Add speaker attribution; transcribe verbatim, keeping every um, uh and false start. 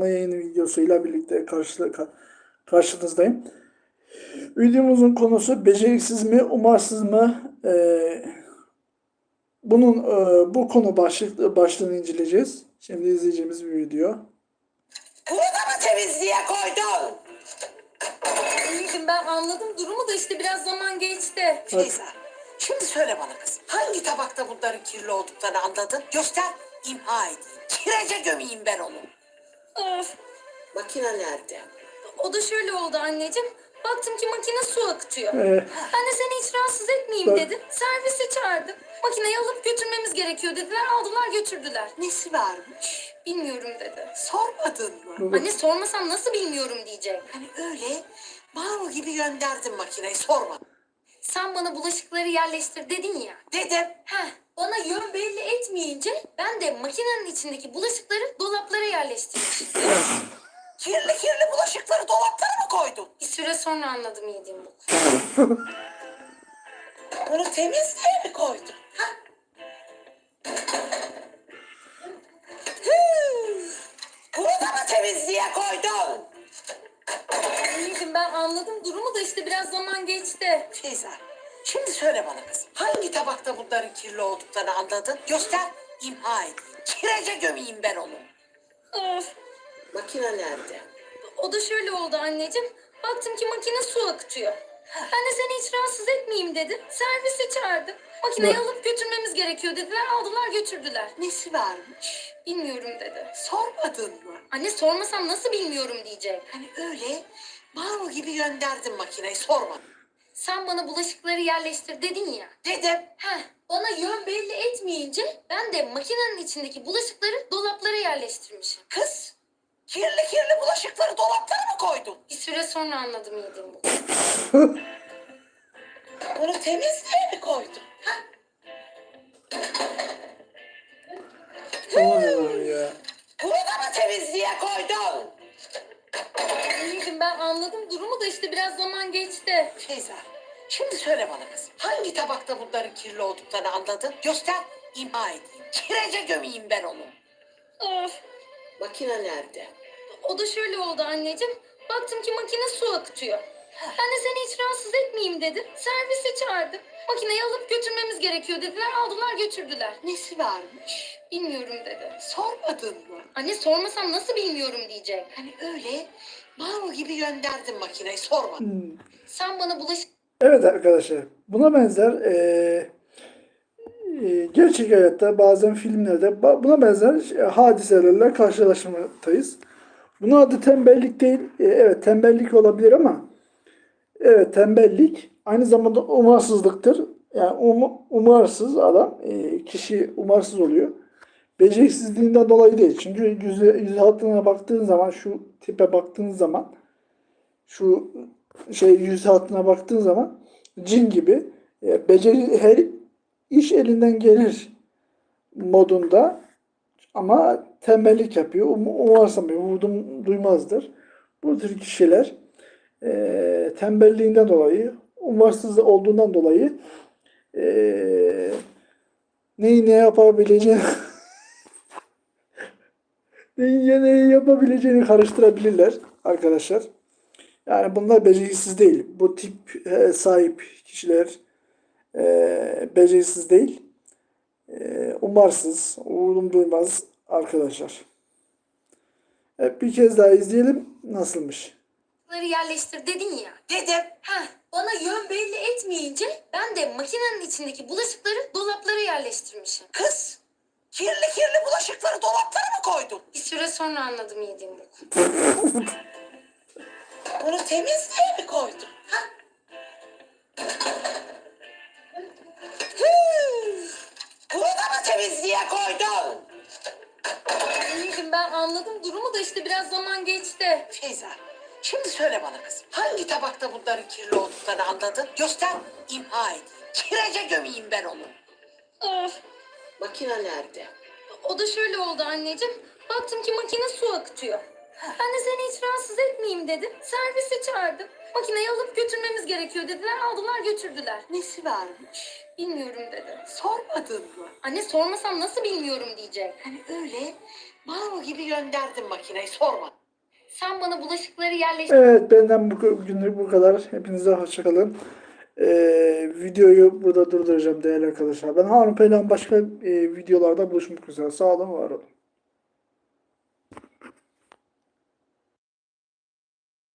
Speaker 1: canlı yayın videosuyla birlikte karşı, karşınızdayım. Videomuzun konusu beceriksiz mi, umarsız mı? Ee, bunun e, bu konu başlık, başlığını inceleyeceğiz. Şimdi izleyeceğimiz bir video.
Speaker 2: Bunu da mı temizliğe koydun?
Speaker 3: İyiydim, ben anladım durumu da işte biraz zaman geçti.
Speaker 2: Feyza, şimdi söyle bana kızım. Hangi tabakta bunların kirli olduklarını anladın? Göster, imha edeyim. Kirece gömeyim ben onu.
Speaker 3: Of,
Speaker 2: Makine nerede?
Speaker 3: o da şöyle oldu anneciğim. Baktım ki makine su akıtıyor.
Speaker 1: Ee,
Speaker 3: Ben de seni hiç rahatsız etmeyeyim
Speaker 1: Bak.
Speaker 3: dedim. Servisi çağırdım. Makineyi alıp götürmemiz gerekiyor dediler. Aldılar götürdüler.
Speaker 2: Nesi varmış?
Speaker 3: Bilmiyorum dedi.
Speaker 2: Sormadın mı?
Speaker 3: Anne sormasam nasıl bilmiyorum diyecek.
Speaker 2: Hani öyle baro gibi gönderdin makineyi, sormadın.
Speaker 3: Sen bana bulaşıkları yerleştir dedin ya.
Speaker 2: Dedim.
Speaker 3: Heh, bana yön belli etmeyince ben de makinenin içindeki bulaşıkları dolaplara yerleştirmişim.
Speaker 2: Kirli kirli bulaşıkları dolaplara mı koydun?
Speaker 3: Bir süre sonra anladım yediğim bu.
Speaker 2: Bunu temizliğe mi koydun? Ha? Hıh! Bunu da mı temizliğe koydun?
Speaker 3: İyiydim, ben anladım durumu da işte biraz zaman geçti.
Speaker 2: Feyza, şimdi söyle bana kızım. Hangi tabakta bunların kirli olduklarını anladın? Göster, imha edeyim. Kirece gömeyim ben onu.
Speaker 3: Of,
Speaker 2: Makine nerede?
Speaker 3: o da şöyle oldu anneciğim. Baktım ki makine su akıtıyor. Ben de seni hiç rahatsız etmeyeyim dedim. Servisi çağırdım. Makineyi
Speaker 1: Bak.
Speaker 3: alıp götürmemiz gerekiyor dediler. Aldılar götürdüler.
Speaker 2: Nesi varmış?
Speaker 3: Bilmiyorum dedi.
Speaker 2: Sormadın mı?
Speaker 3: Anne sormasam nasıl bilmiyorum diyecek.
Speaker 2: Hani öyle baro gibi gönderdin makineyi, sormadın.
Speaker 3: Sen bana bulaşıkları yerleştir dedin ya.
Speaker 2: Dedim.
Speaker 3: Heh, bana yön belli etmeyince ben de makinenin içindeki bulaşıkları dolaplara yerleştirmişim.
Speaker 2: Kız, kirli kirli bulaşıkları dolaplara mı koydun?
Speaker 3: Bir süre sonra anladım yediğim bu.
Speaker 2: Bunu temizliğe mi koydun? Ha?
Speaker 1: Aman Allah'ım ya.
Speaker 2: Bunu da mı temizliğe koydun?
Speaker 3: İyiydim, ben anladım durumu da işte biraz zaman geçti.
Speaker 2: Feyza, şimdi söyle bana kızım. Hangi tabakta bunların kirli olduklarını anladın? Göster, imha edeyim. Kirece gömeyim ben onu.
Speaker 3: Of,
Speaker 2: Makine nerede?
Speaker 3: o da şöyle oldu anneciğim. Baktım ki makine su akıtıyor. Ben de seni hiç rahatsız etmeyeyim dedim. Servisi çağırdım. Makineyi alıp götürmemiz gerekiyor dediler. Aldılar götürdüler.
Speaker 2: Nesi varmış?
Speaker 3: Bilmiyorum dedi.
Speaker 2: Sormadın mı?
Speaker 3: Anne sormasam nasıl bilmiyorum diyecek.
Speaker 2: Hani öyle baro gibi gönderdin makineyi, sormadın.
Speaker 1: Hmm.
Speaker 3: Sen bana bulaşık
Speaker 1: Evet arkadaşlar, buna benzer eee, eee, gerçek hayatta bazen filmlerde ba- buna benzer e, hadiselerle karşılaşmaktayız. Bunun adı tembellik değil. E, evet tembellik olabilir ama evet tembellik aynı zamanda umarsızlıktır. Yani um- umarsız adam, e, kişi umarsız oluyor. Beceriksizliğinden dolayı değil. Çünkü yüz, yüz hatlarına baktığın zaman, şu tipe baktığın zaman, şu şey yüz hatlarına baktığın zaman cin gibi e, beceri her iş elinden gelir modunda ama tembellik yapıyor. Um, umursamıyor. Vurdum duymazdır. Bu tür kişiler e, tembelliğinden dolayı, umarsız olduğundan dolayı e, neyi ne yapabileceğini neyi neyi yapabileceğini karıştırabilirler arkadaşlar. Yani bunlar beceriksiz değil. Bu tip e, sahip kişiler e, beceriksiz değil. E, umarsız, vurdum duymaz arkadaşlar. Evet, bir kez daha izleyelim nasılmış.
Speaker 3: bulaşıkları yerleştir dedin ya.
Speaker 2: Dedim.
Speaker 3: Heh, bana yön belli etmeyince ben de makinenin içindeki bulaşıkları dolaplara yerleştirmişim.
Speaker 2: Kız, kirli kirli bulaşıkları dolaplara mı koydun?
Speaker 3: Bir süre sonra anladım yediğim bu.
Speaker 2: Bunu temizliğe mi koydun? Ha? Hıh! Bunu da mı temizliğe koydun?
Speaker 3: İyiydim, ben anladım durumu da işte biraz zaman geçti.
Speaker 2: Feyza, şimdi söyle bana kızım. Hangi tabakta bunların kirli olduklarını anladın? Göster, imha edeyim. Kirece gömeyim ben onu.
Speaker 3: Of,
Speaker 2: Makine nerede?
Speaker 3: o da şöyle oldu anneciğim. Baktım ki makine su akıtıyor. Ben de seni hiç rahatsız etmeyeyim dedim. Servisi çağırdım. Makineyi alıp götürmemiz gerekiyor dediler. Aldılar götürdüler.
Speaker 2: Nesi varmış?
Speaker 3: Bilmiyorum dedi.
Speaker 2: Sormadın mı?
Speaker 3: Anne sormasam nasıl bilmiyorum diyecek.
Speaker 2: Hani öyle Mal gibi gönderdim makineyi sorma.
Speaker 3: Sen bana bulaşıkları yerleştir.
Speaker 1: Evet, benden bu günlük bu kadar. Hepinize hoşça kalın. Ee, videoyu burada durduracağım değerli arkadaşlar. Ben Harun Peylan, başka e, videolarda buluşmak üzere. Sağ olun, var olun.